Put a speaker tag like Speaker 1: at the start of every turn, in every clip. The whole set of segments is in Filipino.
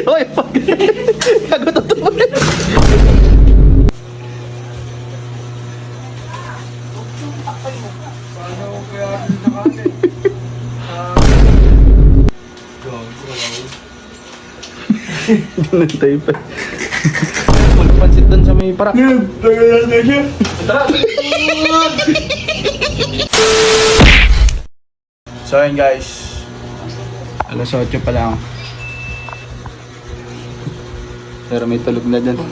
Speaker 1: Hoy, pag... Gago totoo. Ganun tayo pa. Magpansit doon sa may parak. Tara! So ayun guys, alas 8 pa lang. Pero may tulog na dyan.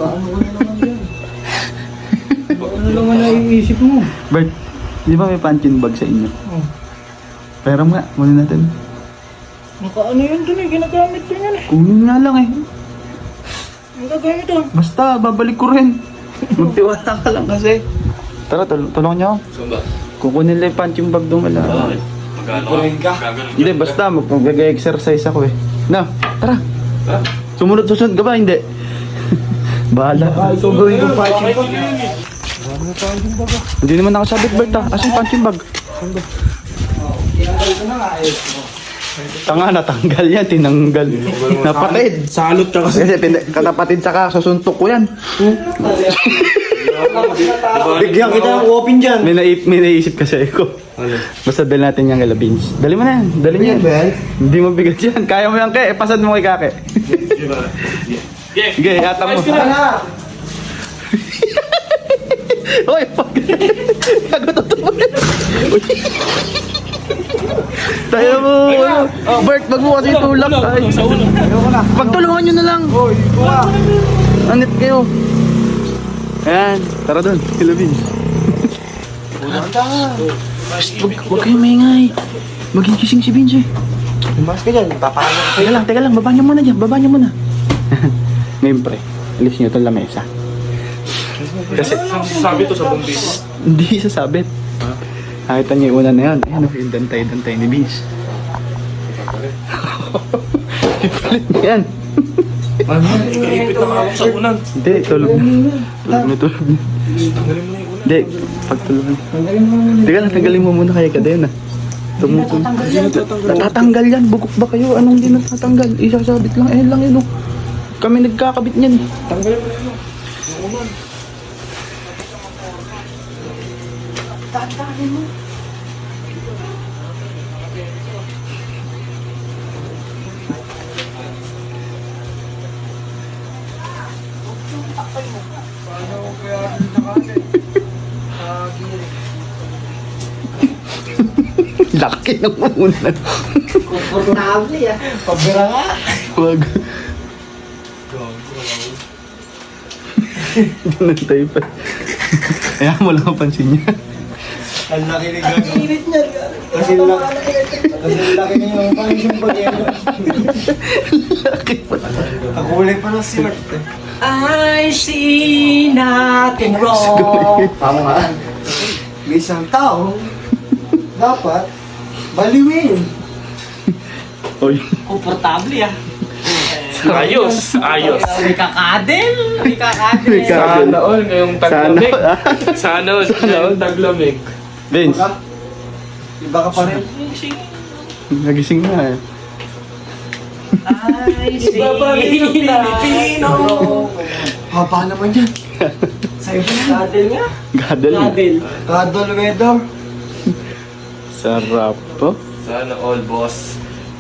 Speaker 2: Ano naman naiisip mo?
Speaker 1: Bert, di ba may punching bag sa inyo?
Speaker 2: Oh.
Speaker 1: Pero nga, muna natin.
Speaker 2: Nakaano yun dun eh, ginagamit ko yan eh.
Speaker 1: Kunin nga lang eh.
Speaker 2: Ang gagamit doon.
Speaker 1: Basta, babalik ko rin. Magtiwala ka lang kasi. Tara, tulungan niyo ako.
Speaker 3: Sumba.
Speaker 1: Kukunin lang yung punching bag doon wala.
Speaker 3: Magkano ka?
Speaker 1: Hindi, basta mag-exercise ako eh. Na, tara. Sumunod ka ba? Hindi. Bahala.
Speaker 2: Ito gawin yung punching bag.
Speaker 1: Hindi naman nakasabit, Bert ah. Asan yung punching bag?
Speaker 2: Tinanggal ko na nga eh.
Speaker 1: Tanga, natanggal yan, tinanggal. Napatid.
Speaker 2: Salot ka kasi.
Speaker 1: Kasi katapatid saka susuntok ko yan.
Speaker 2: Bigyan kita ng open dyan.
Speaker 1: May naisip kasi ako. Basta dali natin yung kay Beans. Dali mo na yan, dali niya. Hindi mo bigat yan. Kaya mo yan, Ke. Pasad mo kay Kake. Sige, yata mo. Hoy, pag... Gago totoo. Tayo mo. Bert, wag mo kasi tulak. Ay. Pagtulungan nyo na lang. Anit kayo. Ayan, tara doon. Hello, Beans. Huwag kayong maingay. Magigising si Beans eh.
Speaker 2: Mas ka dyan, papaano ko sa'yo.
Speaker 1: Teka lang, baba niyo muna dyan. Baba niyo muna. Ngayon pre, alis niyo itong lamesa. Kasi
Speaker 3: Sabi to sa bumbis.
Speaker 1: hindi sasabit. Nakita niyo yung una na yan. Ayan, yung dantay-dantay ni Beans. Ipalit niya yan.
Speaker 3: Ipit na ako sa unan.
Speaker 1: Hindi, tulog na. Tulog na.
Speaker 3: Tanggalin mo na yung unan.
Speaker 1: Hindi, pagtulog na. Teka lang, tanggalin mo muna kaya kadena. Natatanggal yan. Bugok ba kayo? Anong hindi natatanggal? Isasabit lang. Ayan lang yun. Oh. Kami nagkakabit niyan.
Speaker 3: Tanggalin mo na yun. Yung unan.
Speaker 1: Laki ng unan.
Speaker 2: Komportable ah. Pabira nga.
Speaker 1: Wag. Ganun tayo pa. Kaya mo lang pansin niya.
Speaker 2: Ang laki ni Gago. Ang init niya. Kasi laki niya yung punching bag yan.
Speaker 1: Laki pa.
Speaker 2: Ang kulay pa ng sirt eh.
Speaker 4: I see nothing wrong.
Speaker 2: Tama nga. May isang tao dapat baliwin.
Speaker 1: Oy.
Speaker 4: Komportable ah.
Speaker 3: Ayos, ayos.
Speaker 4: May kakadel. May kakadel.
Speaker 1: May kakadel.
Speaker 3: Sana all ngayong taglamig. Sana all ngayong taglamig.
Speaker 1: Vince,
Speaker 2: Iba ka pa rin.
Speaker 1: nagising na eh.
Speaker 4: I see Filipino.
Speaker 2: Haba naman yan. Sa'yo ba yan?
Speaker 4: Kadel nga.
Speaker 1: Gadal.
Speaker 4: Kadel.
Speaker 2: Kadol weather.
Speaker 1: Sarap po.
Speaker 3: Sana all, boss.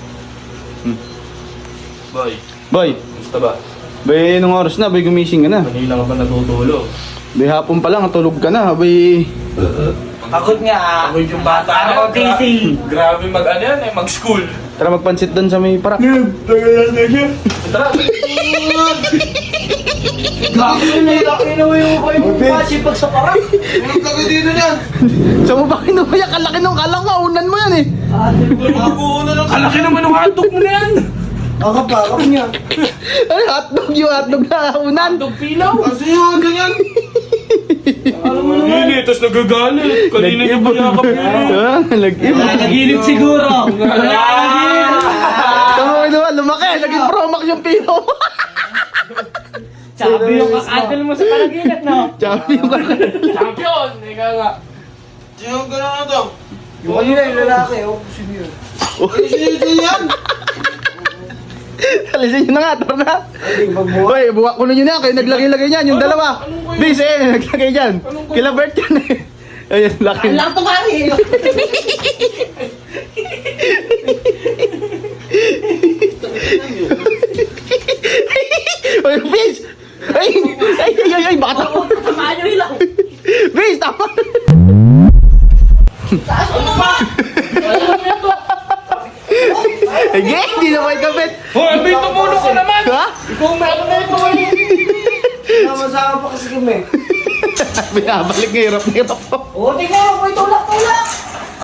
Speaker 3: Boy,
Speaker 1: Boy,
Speaker 3: gusto ba?
Speaker 1: bay, nung oras na, bay gumising ka na.
Speaker 3: Kanina ka pa natutulog.
Speaker 1: Bay, hapon pa lang, tulog ka na. Bay,
Speaker 4: Pagod nga.
Speaker 3: Ako yung bata na
Speaker 4: Ako busy.
Speaker 3: Grabe mag-ano yan eh, mag-school.
Speaker 1: tara magpansit doon sa may parak.
Speaker 3: Tara!
Speaker 4: Laki na yung kasi pag sa parang.
Speaker 2: Laki dito niyan.
Speaker 1: Sa mo ba kinuha? Kalaki nung kalang maunan mo yan eh.
Speaker 3: Kalaki naman ng hotdog mo na yan!
Speaker 2: Akap niya.
Speaker 1: Ay, yung hotdog na unan.
Speaker 3: Hotdog pilaw!
Speaker 2: Kasi yun, ganyan.
Speaker 3: Alam mo naman eh, tapos nagagalit. Kanina niya pa yakap yun.
Speaker 1: Nag-ibon.
Speaker 4: Naginip siguro.
Speaker 1: Sa mo kinuha, lumaki. Naging promax yung pilo mo.
Speaker 4: Sabi yung kakadel mo sa panaginip, no?
Speaker 1: Sabi yung kakadal.
Speaker 3: Champion! Ika nga.
Speaker 2: Sino gano'n na to? Yung kanina yung lalaki, oh. Sino yun? Ay, sino yan?
Speaker 1: alisin nyo na nga, tara na. Hoy, buka kulo nyo na, kayo naglagay-lagay niyan, yung dalawa. Bis, naglagay dyan. Kila Bert yan eh. Ayun, laki.
Speaker 4: Ang lang ito pare.
Speaker 1: Ay, Bis! Ay, baka tama.
Speaker 4: Tamaan nyo lang.
Speaker 1: Bis, tama. Ay, hindi na may kapit.
Speaker 3: Hoy, Alvin, tumulong ka naman!
Speaker 1: Ha?
Speaker 3: Ikaw meron na ito eh!
Speaker 2: Masama pa kasi kami.
Speaker 1: Binabalik, hirap.
Speaker 4: O, tingnan mo, tulak.